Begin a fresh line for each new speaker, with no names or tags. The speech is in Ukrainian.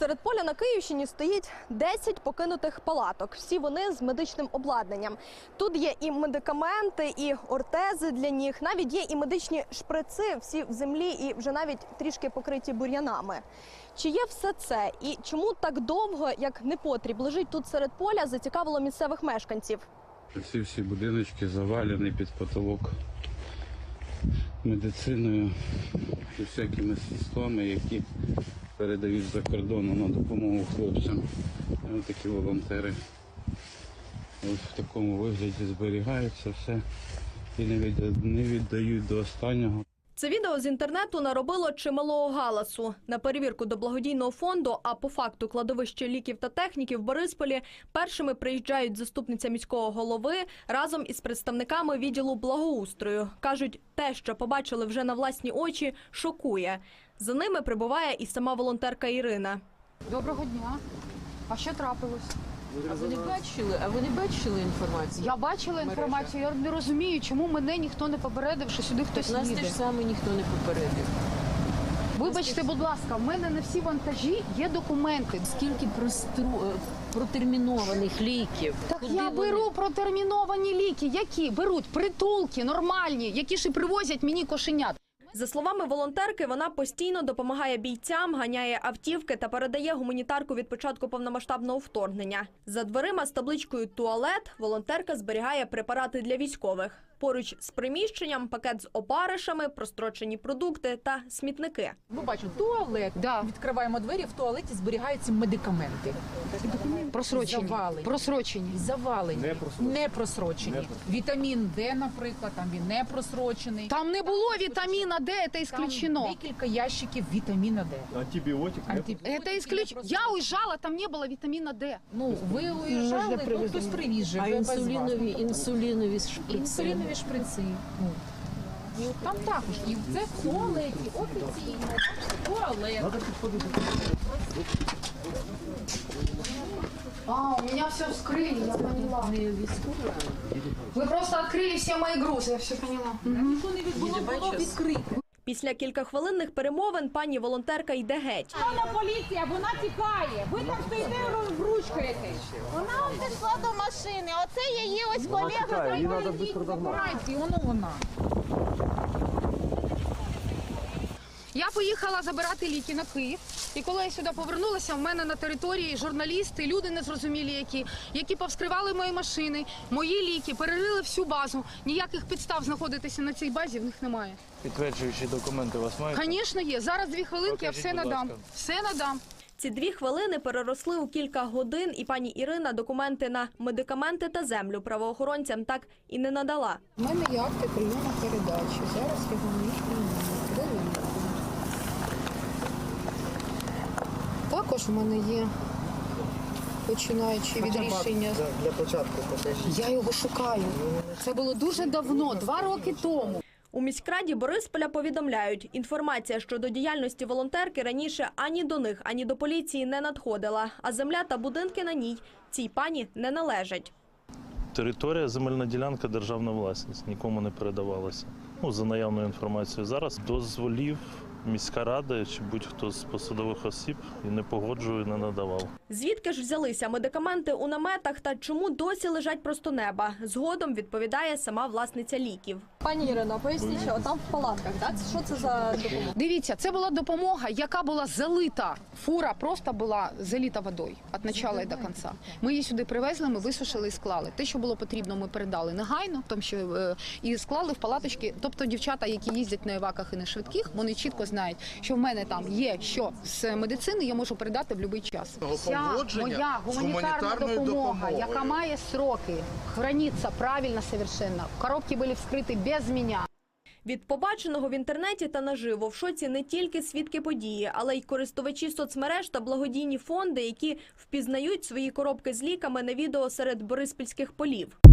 Серед поля на Київщині стоїть 10 покинутих палаток. Всі вони з медичним обладнанням. Тут є і медикаменти, і ортези для ніг, навіть є і медичні шприци, всі в землі і вже навіть трішки покриті бур'янами. Чи є все це? І чому так довго, як непотріб, лежить тут серед поля, зацікавило місцевих мешканців?
Ці всі будиночки завалені під потолок медициною і всякими средствами, які передають за кордону на допомогу хлопцям. І ось такі волонтери ось в такому вигляді зберігаються все і не віддають до останнього.
Це відео з інтернету наробило чималого галасу. На перевірку до благодійного фонду, а по факту кладовище ліків та техніки в Борисполі, першими приїжджають заступниця міського голови разом із представниками відділу благоустрою. Кажуть, те, що побачили вже на власні очі, шокує. За ними прибуває і сама волонтерка Ірина.
Доброго дня. А що трапилось?
А ви не бачили інформацію?
Я бачила інформацію, я не розумію, чому мене ніхто не попередив, що сюди хтось
Нас
їде.
теж саме ніхто не попередив.
Вибачте, будь ласка, в мене на всі вантажі є документи.
Скільки протермінованих ліків?
Так
Куди
я
вони?
беру протерміновані ліки, які беруть притулки нормальні, які ж і привозять мені кошенят.
За словами волонтерки, вона постійно допомагає бійцям, ганяє автівки та передає гуманітарку від початку повномасштабного вторгнення. За дверима з табличкою «Туалет» волонтерка зберігає препарати для військових. Поруч з приміщенням пакет з опаришами, прострочені продукти та смітники.
Ми бачимо туалет,
Да.
відкриваємо двері, в туалеті зберігаються медикаменти.
Просрочені.
Завалені.
Просрочені.
Завалені, не просрочені. Вітамін Д, наприклад, там він не просрочений.
Там не було вітаміна Д, це
Там
исключено.
декілька ящиків вітаміна Д.
Антибиотик?
Это исключено. Я уезжала, там не было витамина Д.
Ну, ви уїжджали, ну, хтось привіз же.
А
ви без вас.
інсулінові шприци?
Інсулінові шприци. Ну. І от там також. І це в туалеті, офіційно. Туалет.
А, у меня все вскрыли, я поняла.
Не військова.
Вы просто открыли все мои грузы, я все поняла.
Ніхто не було відкрито.
Після кількахвилинних перемовин пані волонтерка йде геть.
Вона поліція, вона тікає. Ви там стоїте, розбручкаєтесь. Вона пішла до машини. Оце її ось колега.
Її треба швидко догнати.
Знаєте, воно вона.
Я поїхала забирати ліки на Київ. І коли я сюди повернулася, в мене на території журналісти, люди незрозумілі які повскривали мої машини, мої ліки, перерили всю базу. Ніяких підстав знаходитися на цій базі в них немає.
Підтверджуючі документи у вас мають?
Звісно, є. Зараз 2 хвилинки, я
Покажіть,
все
будь
надам.
ласка.
Все надам.
Ці 2 хвилини переросли у кілька годин, і пані Ірина документи на медикаменти та землю правоохоронцям так і не надала.
У мене є акти прийому передачі. Зараз я вам їх прийму. Також в мене є, починаючи від рішення.
Для початку покажіть.
Я його шукаю. Це було дуже давно, 2 роки тому.
У міськраді Борисполя повідомляють, інформація щодо діяльності волонтерки раніше ані до них, ані до поліції не надходила, а земля та будинки на ній цій пані не належать.
Територія, земельна ділянка, державна власність, нікому не передавалася. Ну, за наявною інформацією. Зараз дозволів міська рада чи будь-хто з посадових осіб і не погоджує, не надавав.
Звідки ж взялися медикаменти у наметах та чому досі лежать просто неба? Згодом відповідає сама власниця ліків. Пані Ірино, поясніть, що там в палатках, так? Що це за допомога?
Дивіться, це була допомога, яка була залита. Фура просто була залита водою від початку і до кінця. Ми її сюди привезли, ми висушили і склали. Те, що було потрібно, ми передали негайно, тому що і склали в палаточки. Тобто дівчата, які їздять на еваках і на швидких, вони чітко знають, що в мене там є що з медицини, я можу передати в будь-який час. Вся моя гуманітарна допомога, яка має сроки, храниться правильно совершенно. Коробки були вскриті без мене.
Від побаченого в інтернеті та наживо в шоці не тільки свідки події, але й користувачі соцмереж та благодійні фонди, які впізнають свої коробки з ліками на відео серед бориспільських полів.